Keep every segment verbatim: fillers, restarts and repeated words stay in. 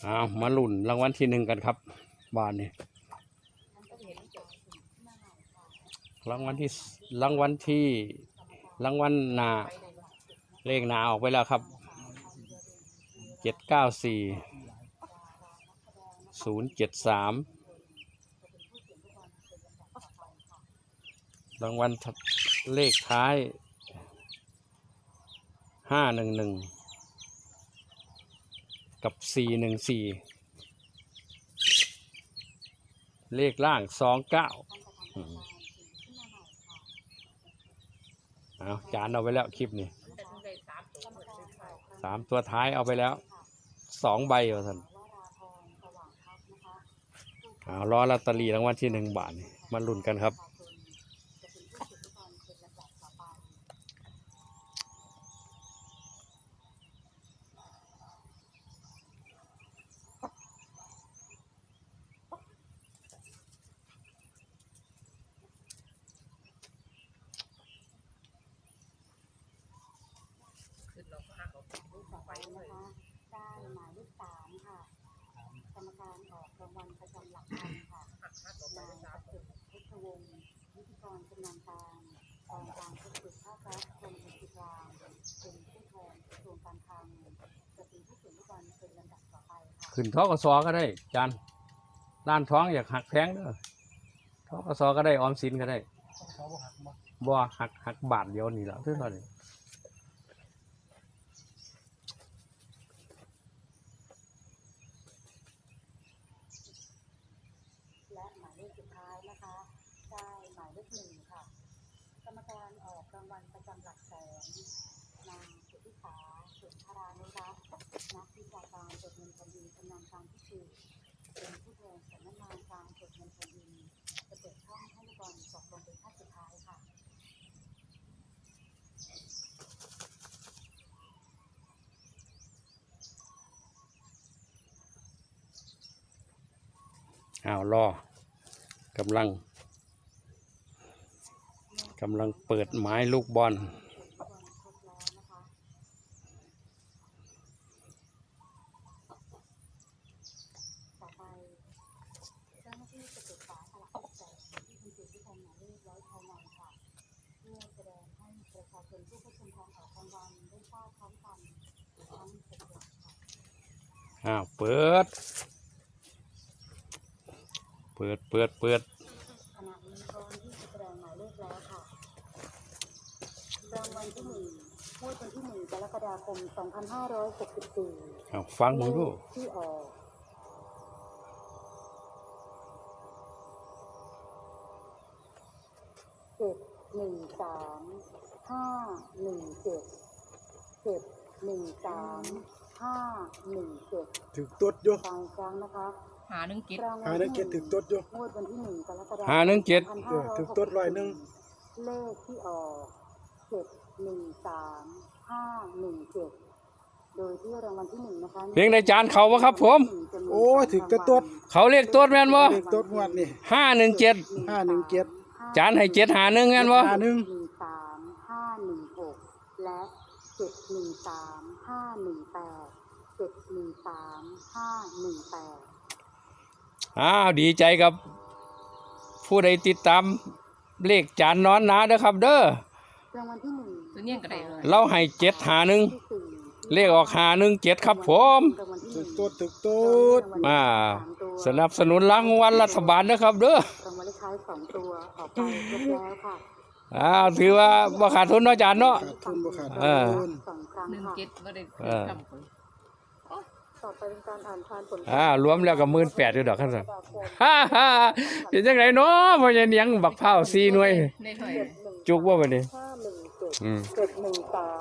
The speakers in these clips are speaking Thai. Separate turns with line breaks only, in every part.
เอามาลุ้นรางวัลที่หนึ่งกันครับบ้านนี้รางวัลที่รางวัลที่รางวัลหนาเลขหนาออกไปแล้วครับเจ็ดเก้าสี่ศูนย์เจ็ดสามรางวัลเลขท้ายห้าหนึ่งหนึ่งกับสี่หนึ่งสี่เลขล่างสองเก้าเอาจานเอาไปแล้วคลิปนี้สามตัวท้ายเอาไปแล้วสองใบว่าท่านเอาล้อลอตเตอรี่รางวัลที่หนึ่งบาทมาลุ้นกันครับ
ได้หมายเลขสามค่ะกรรมการออกรางวัลประจำหลักพันค่ะนายประสิทธิ์พุทธวงศ์วิทยกรชำนาญการกองการทุจริตภาครัฐกรมบัญชีกลางเป็นผู้แทนกระทรวงการคลังจะเป็นผู้ถือลูกบอลเป็นลำดับต่อไปค่ะ
ขึ้นทกสก็ได้จานด้านท้องอยากหักแพงเด้อทกสก็ได้ออมสินก็ได้บ่หักหักบาทเดียวนี่แหละเท่านั้น
และหมายเลขสุดท้ายนะคะได้หมายเลขหนึ่งค่ะกรรมการออกรางวัลประจำหลักแสนนางสุทธิสาสุนทรานุรักษ์นักวิชาการตรวจเงินแผ่นดินชำนาญการพิเศษเป็นผู้แทนสำนักงานการตรวจเงินแผ่นดินจะเปิดช่องให้ลูกบอลตกลงเป็นขั้นสุดท้ายค่ะ
อ้าวรอกำลังกำลังเปิดไม้ลูกบอล
ต่อไปเจ้าหน้าที่จะเปิดฝาสลักแสนที่คุณจุดที่ทำหมายเลขร้อยภายในค่ะเพื่อแสดงให้ประชาชนผู้เข้าชมการออกรางวัลได้ทราบพร้อมกันทั้งหกหลักค่ะ
อ้าวเปิดเปิดเปิดเปิด
ขณะนี้พร้อมที่จะแสดงหมายเลขแล้วค่ะรางวัลที่หนึ่งงวดวันที่หนึ่งกรกฎาคมสองพันห้าร้อยหกสิบสี่
อ้าวฟังมึงดู
ที่ออกเจ็ดหนึ่งสามห้าหนึ่งเจ็ดเจ็ดหนึ่งสามห้าหนึ่งเจ็ด
ถึกตดอยู่
ฟังครั้งนะคะ
หาหนึ่งเก็ด
หาหนึ่งเก็ดถึกตดอยู่
งวดวันที่หนึ่งกรกฎาคม
หาหนึ่งเจ็ด
ถึกตดร้อยหนึ่ง
เลขที่ออกเจ็ดหนึ่งสามห้าหนึ่งเจ็ดโดยที่รางวัลที่หนึ่งนะคะ
เพียงในจานเขาวะครับผม
โอ้ถึกตดตด
เขาเรียกตดแม่นบ่
ถึกตดงวดนี่
ห้าหนึ่งเจ็ด
ห้าหนึ่งเจ็ด
จานให้เจ็ดหาหนึ่งแม่นบ่
ห้าหนึ่ง
สามห้าหนึ่งหกและเจ็ดหนึ่งสามห้าหนึ่งแปดเจ็ดหนึ่งสามห้าหนึ่งแปด
อ้าวดีใจกับผู้ใดติดตามเลขจานนอนหนาเด้อครับเด้อ
รางวัลที่หนึ่ง
ตัวเนี้ยก็ได้เลย
เราให้เจ็ดหาหนึ่งเลขออกหาหนึ่งเจ็ดครับผม
ถึกตดถึกตด
มาสนับสนุนรางวัลรัฐบาลนะครับเด้อ
รางวัลเลขท้ายสองตัวออกไปครบแล้วค่ะ
อ้าวถือว่าบ่ขาดทุนเนาะจานเนาะ
ขาดทุนบ่ขาด
ทุนสองครั้ง
หนึ่ง
ค่ะ
เก็ดก็ได้ทำผล
ต่อไปเป็นการอ่านทานผล
อ่ารวมแล้วก็หมื่นแปดอยู่ดอกครับท่านฮ่าฮ่าเป็นจังไดเนาะพ่อใหญ่เนียงบักเผาสี่หน่วยจุกบ่บัดนี้
ห้าหนึ่งเจ็ด
อืม
เจ็ดหนึ่งสาม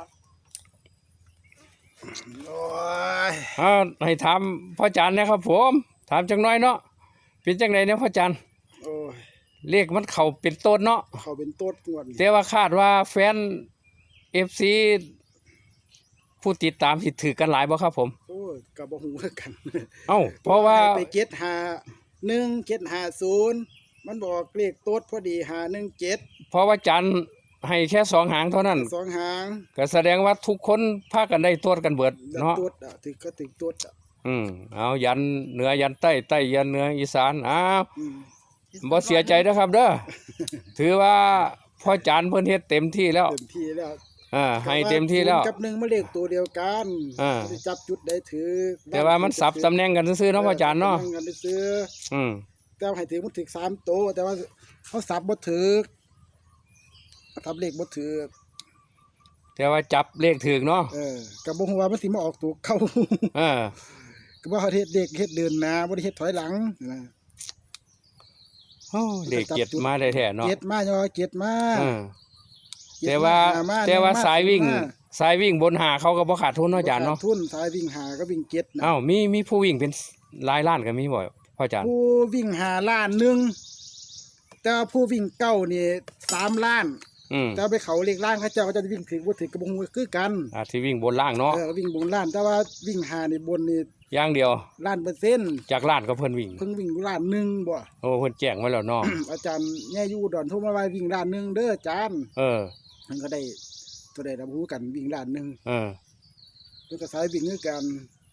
โอ้ย
อ้าวให้ถามพ่อจันนะครับผมถามจังน้อยเนาะเป็นจังไดเนี่ยพ่อจัน
โอ้ย
เลขมันเข้าเป็นต้นเนาะ
เข้าเป็นตดงวด
แต่ว่าคาดว่าแฟน เอฟ ซี ผู้ติดตามสิถือกันหลายบ่ครับผม
โอ้ยก็บ่ฮู้คือกัน
เอ้าเพราะว่า
ไปเก็ดหาหนึ่งเก็ดหาศูนย์มันบอกเลขตดพอดีหาหนึ่งเจ็ด
เพราะว่าจันให้แค่สองหางเท่านั้น
สองหาง
ก็แสดงว่าทุกคนพากันได้ตรวจกันเบิดเนาะ
ตดอ่ะถึกก็ถึกตดอ่ะ
อืมเอายันเหนือยันใต้ใต้ยันเหนืออีสานอ้าว
อืม
บ่เสียใจนะครับเด้อ ถือว่าพ่อจานเพิ่นเฮ็ดเต็มที่แล้ว
เต็มที่แล้ว
อ่าให้เต็มที่แล้ว
ศูนย์กับหนึ่งมาเลขตัวเดียวกัน
อ่า
จะจับจุดได้ถือ
แต่ว่ามันสับตำแหน่งกันซื่อๆเนาะพ่อจานเนาะ
ตำแหงกันซื้อ
อืม
แต่ว่าให้ถือมันถึกสามโตวแต่ว่าเขาสับบ่ถือทับเลขบ่ถือ
แต่ว่าจับเลขถูกเนาะ
เออก็บ่ฮู้ว่ามันสิมาออกตัวเก่า
เออ
ก็บ่เฮ็ดเด็กเฮ็ดเดินหน้าบ่ได้เฮ็ดถอยหลังนะ
โอ้เลขเจ็ดมาได้แท้เนาะ
เจ็ดมาย่อเจ็ดมา
เออ
เจ็ด
แต่ว่า
หม
แต่ว่า
หนึ่ม
สายวิ่ง
ม
สายวิ่งบนหาเขาก็บ่ขาดทุนเนาะอาจารย์เนาะ
บ่ขดทุนสายวิ่งหาก็วิ่งเจ็ดนะ
อ้าวมีมีผู้วิ่งเป็นหลายล้านก็มีบ่พ่ออาจารย์
ผู้วิ่งหาล้านหนึงแต่ว่าผู้วิ่งเก้านี่สามล้าน
อืม
แต่ว่าไปเขาเลขล่างเขาเจ้าก็จะวิ่งถึงบ่ถึงก็บ่ฮู้คือกัน
อ่าที่วิ่งบนล่างเนาะ
เออวิ่งบนล้าน แต่ว่าวิ่งหานี่บนนี่
อย่างเดียว
ล้านเปอร์เซ็นต์
จากล้านก็เพิ่นวิ่ง
เพิ่งวิ่งล้านหนึงบ่
โอ้เพิ่นแจ้งไว้แล้วเนาะ
อาจารย์แย่อยู่อุดอนโทรมาว่าวิ่งล้านหนึงเด้ออาจารย์
เออ
มันก็ได้ตัวใดรับรู้กันวิ่งล้านหนึง
เออ
เพิ่นก็สายวิ่งคือกัน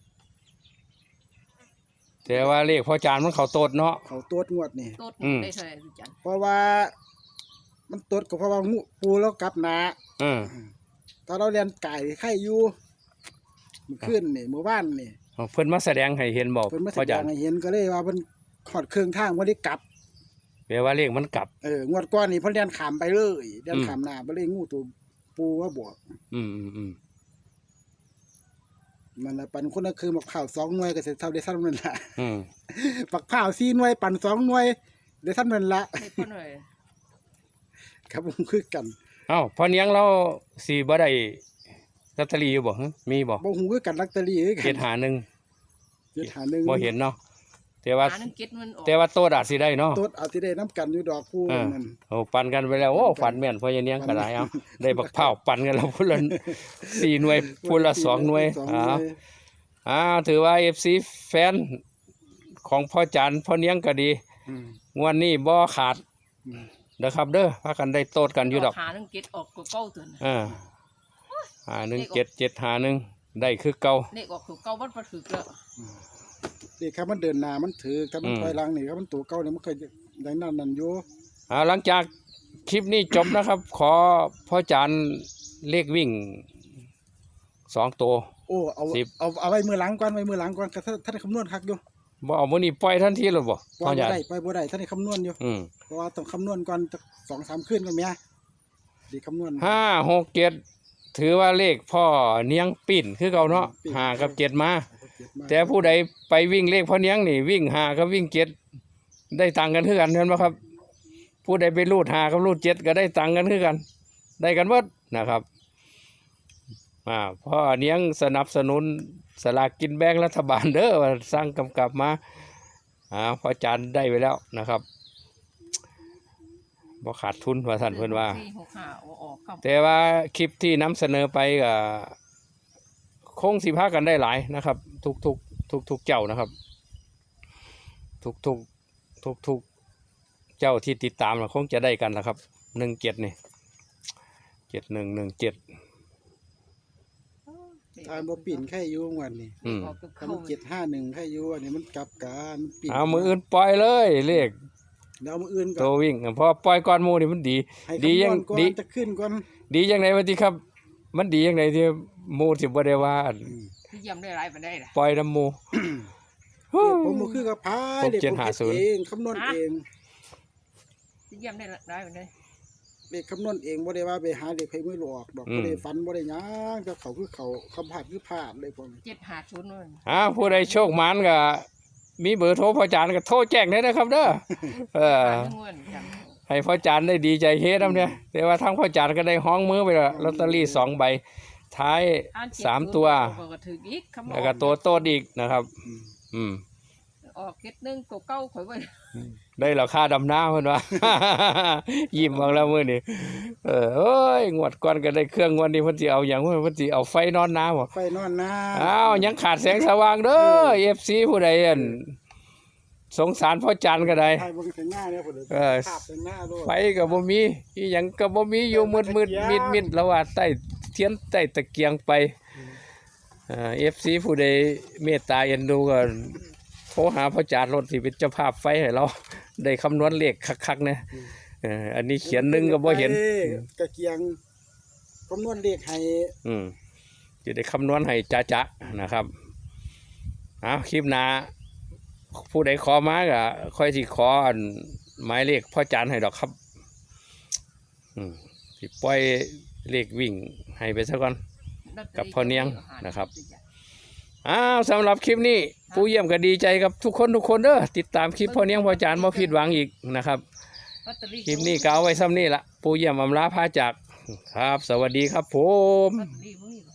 แต่ว่าเลขพ่ออาจารย์มันเข้าโตดเนาะ
เขาตรวจงวดนี่
โต๊ด
อืม
ได้เท่าไหร่พี่จัน
เพราะว่า มันตรวจก็เพราะว่างูปูแล้วกลับหนา
เออ
ตอนเราเรียนไก่ไข่อยู่มื้อคืนนี่มื้อวานนี่
เอาเพิ่นมาแสดงให้เห็นบอก
เพิ่นมาแส
พ่อ
ด
จาง รย์
ให้เห็นก็เลยว่าเพิ่นขอดเครื่องทางบ่ได้กลับ
แปลว่าเลขมันกลับ
เอองวดก่อนนี่เพิ่นเรียนขามไปเลยเรียน
อืม
ขามหน้าไปเลยงูตัวปูว่าบวก
อืมอืมอืม
มันน่ะปันคนละคือบักข้าวสองหน่วยก็สิเท่าได้ซ้ํนั่นล่ะ
อืม
บักข้าวสี่หน่วยปันสองหน่วยได้ซ้ํนั่นล่ะ
ให้เพิ่นหน่อย
ครับผมคือกัน
เอ้าพ่อเนียงเราสิบ่ได้ลอตเตอรี่อยู่บ่ฮะมีบ่
บ่ฮู้คือกันลอตเตอรี่คือกัน
เจ็ดหาหนึ่ง
เจ็ดหาหนึ่ง
บ่เห็นเนาะแต่ว่า
หาหนึ่งเก็ดมันออก
แต่ว่าโตดอาจสิได้เนาะ
ตดเอาที่ได้น้ำกันอยู่ดอกผู้
เออ
นั่น
โอ้ปั่นกันไปแล้วโอ้ฝันแม่นพ่อเนียงก็ได้เอ้าได้บักเผาวปั่นกันแล้วพุ่นละสี่หน่วยพุ่นละสองหน่วย
สองห
อ้า
น่
ว
วย
อ้าวถือว่า เอฟ ซี แฟนของพ่อจันทร์พ่อเนียงก็ดี
อืม
งวดนี้บ่ขาด
อืม
เด้อครับเด้อพากันได้โตดกันอยู่ดอก
หาหนึ่งเก็ดออกก็เก้าตัวน่ะ
เอ่าหาหนึ่งเจ็ดเจ็ดหาหนึ่งได้คือเก่า
เลขออกตัวเก้าวัดบ่ถูกแล้ว
นี่ครับมันเดินหน้ามันถือถ้ามัน
อืม
ถอยหลังนี่ครับมันตัวเก่าเนี่ยมันเคยได้นั่นนั่นอยู่
อ่าหลังจากคลิปนี้จบนะครับ ขอพ่อจันทร์เลขวิ่งสองตัว
โอ้เอา
สิบ
เอาเอาไว้มือหลังก่อนไว้มือหลังก่อนก็ท่านท่านได้คำนวณคักอยู่
บ่เอามื้อนี้ปล่อยทันทีเลยบ่
ปล่
พ่
อ
อย
บ่
จันท
ได้
ร์
ปล่อยบ่ได้ท่านได้คำนวณอยู่
อืม
เพราะว่าต้องคำนวณก่อนจักสองสามคืนก่อนแม่ดีคำนวณ
ห้าหกเจ็ดถือว่าเลขพ่อเนียงปิ่นคือเก่าเนาะ
ปิ่น
ห้ากับเจ็ดมา
เจ็ดมา
แต่ผู้ใดไปวิ่งเลขพ่อเนียงนี่วิ่งหากับวิ่งเจ็ดได้ตังค์กันคือกันเห็นไหมครับ ผู้ใดไปรูดหากับรูดเจ็ดก็ได้ตังค์กันคือกัน ได้กันหมดนะครับอ่าพ่อเนียงสนับสนุนสลากกินแบ่งรัฐบาลเด้อว่าสร้างกำกับมาอ่าพ่อจานได้ไปแล้วนะครับบ่ขาดทุนว่าท่านเพิ่นว่า
สี่หกห้าเอาออกครับ
แต่ว่าคลิปที่นำเสนอไปก็คงสิพากันได้หลายนะครับ ทุกทุกทุกทุกๆเจ้านะครับ ทุกทุกทุกทุกๆเจ้าที่ติดตามน่ะคงจะได้กันนะครับหนึ่งเจ็ดนี่เจ็ดหนึ่งหนึ่งเจ็ด
ทานบ่ปิ่นแค่อยู่วันนี้
อืม
ออกตัว
ถ้า
เก้า
มันเจ็ดห้าหนึ่งแค่อยู่อันนี้มันกลับกันมันปิ่น
เอามืออื่นปล่อยเลยเลข
เดี๋ยวเอามืออื่นก่
ตั
อ
วน วิ่งเพราะปล่อยก้อนหมูนี่มันดี
ให้
ดี
คำน
ยั
ว
ง
ณก่อน
ดี
จะขึ้นก่อน
ดียังไงวะที่ครับ มันดียังไงที่หมูสิบ่ได้ว่าอั่น
ที่ยำได้หลายปานใดล่ะ
ปล่อยน้ำหมู
ผมบ่คือกับพาย
หก
เด็ก
เจ็ด
ผม
ห้า
เฮ็ด
ศูนย์
เองคำนวณเอง
ที่ยำได้หลายปานใด
เด็กคำนวณเองบ่ได้ว่าไปหาเด็กไผมือหลอกดอก
อืม
บ่ได้ฝันบ่ได้หยังกับเขาคือเขาคำพลาดคือพลาดเลยผม
เจ็ดห้าศูนย์นั่น
อ้าวผู้ใดโชคหมานก็มีเบอร์โทรพ่อจานก็โทรแจ้งได้นะครับเด้อเออ
หาหนึ่งเงินจัง
ให้พ่อจานได้ดีใจเฮ็ดนำเนี่ยแต่ว่าทั้งพ่อจานก็ได้ห้องมือไปและลอตเตอรี่สองใบท้าย
อ่นเจ็ด
สามตัว
ศูนย์ก็ถืออีกคำ
แล้วก็ตัวโตดอีกนะครับ
อืม
อืม
ออกเก็ดหนึงตัวเก้าข่อยไว้
ได้ราคาดำหน้าเพิ่นว่า ยิ้มออกแล้วมื้อนี้เออเอ้ยงวดก่อนก็ได้เครื่องงวดนี้เพิ่นสิเอาหยังเพิ่นสิเอาไฟนอนน้าบ่
ไฟนอนนา
อ้าวยังขาดแสงสว่างเด้อ เอฟ ซี ผู้ใดอั่นสงสารพ่อจันก็ได้
ไฟบ่ถึงหน้าเนี่ยพุ่น
เออ
ภาพถึงหน้าโลด
ไฟก็บ่มีอีหยังก็บ่มีอยู่มืดๆมิดๆแล้วว่าใต้เทียนใต้ตะเกียงไป เอเอฟซีผู้ใดเมตตาเอ็นดูก็โทรหาพ่อจานรถที่เป็นเจ้าภาพไฟให้เราได้คำนวณเลขคักๆนะเอ่ออันนี้เขียนหนึงก็บ่เห็น
กระเกียงคำนวณเลขให้
อืมจะได้คำนวณให้จ๊ะๆนะครับเอาคลิปหน้าผู้ใดขอมาก็ค่อยสิขออันหมายเลขพ่อจานให้ดอกครับอืมสิปล่อยเลขวิ่งให้ไปซะก่อน กับพ่อเนียงนะครับ อ้าวสำหรับคลิปนี้ผู้เยี่ยมก็ดีใจกับทุกคนทุกคนเด้อติดตามคลิปพ่อเนียงพ่อจานบ่ผิดหวังอีกนะครับ
ลอตเตอรี่
คลิปนี้ก็เอาไว้ซ้ำนี่ละผู้เยี่ยมอำลาพาจากครับ สวัสดีครับผม
ลอตเตอรี่มึงนี่